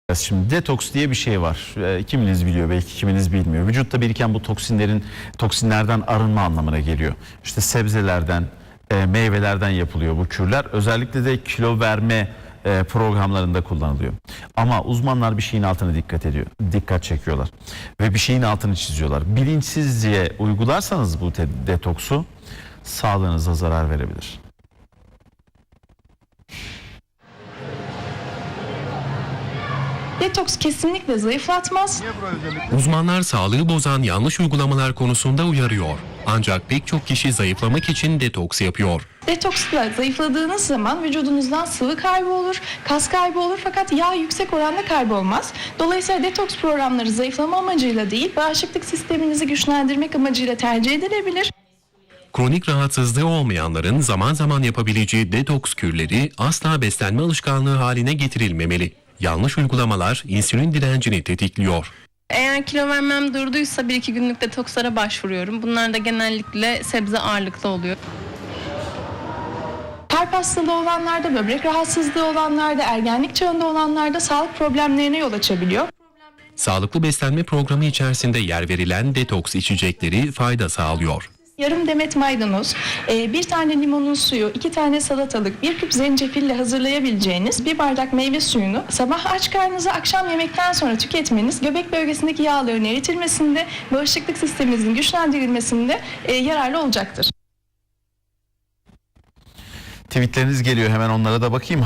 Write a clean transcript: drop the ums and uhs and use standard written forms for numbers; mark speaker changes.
Speaker 1: Şimdi detoks diye bir şey var. Kiminiz biliyor, belki kiminiz bilmiyor. Vücutta biriken bu toksinlerden arınma anlamına geliyor. İşte sebzelerden, meyvelerden yapılıyor bu kürler. Özellikle de kilo verme programlarında kullanılıyor. Ama uzmanlar bir şeyin altına dikkat çekiyorlar ve bir şeyin altını çiziyorlar. Bilinçsizce uygularsanız bu detoksu sağlığınıza zarar verebilir.
Speaker 2: Detoks kesinlikle zayıflatmaz.
Speaker 3: Uzmanlar sağlığı bozan yanlış uygulamalar konusunda uyarıyor. Ancak pek çok kişi zayıflamak için detoks yapıyor.
Speaker 2: Detoksla zayıfladığınız zaman vücudunuzdan sıvı kaybı olur, kas kaybı olur fakat yağ yüksek oranda kaybolmaz. Dolayısıyla detoks programları zayıflama amacıyla değil, bağışıklık sisteminizi güçlendirmek amacıyla tercih edilebilir.
Speaker 3: Kronik rahatsızlığı olmayanların zaman zaman yapabileceği detoks kürleri asla beslenme alışkanlığı haline getirilmemeli. Yanlış uygulamalar insülin direncini tetikliyor.
Speaker 4: Eğer kilo vermem durduysa 1-2 günlük detokslara başvuruyorum. Bunlar da genellikle sebze ağırlıklı oluyor.
Speaker 2: Kalp hastalığı olanlarda, böbrek rahatsızlığı olanlarda, ergenlik çağında olanlarda sağlık problemlerine yol açabiliyor.
Speaker 3: Sağlıklı beslenme programı içerisinde yer verilen detoks içecekleri fayda sağlıyor.
Speaker 2: Yarım demet maydanoz, bir tane limonun suyu, 2 tane salatalık, 1 küp zencefille hazırlayabileceğiniz 1 bardak meyve suyunu sabah aç karnınıza akşam yemekten sonra tüketmeniz göbek bölgesindeki yağların eritilmesinde, bağışıklık sisteminizin güçlendirilmesinde yararlı olacaktır.
Speaker 1: Tweetleriniz geliyor, hemen onlara da bakayım.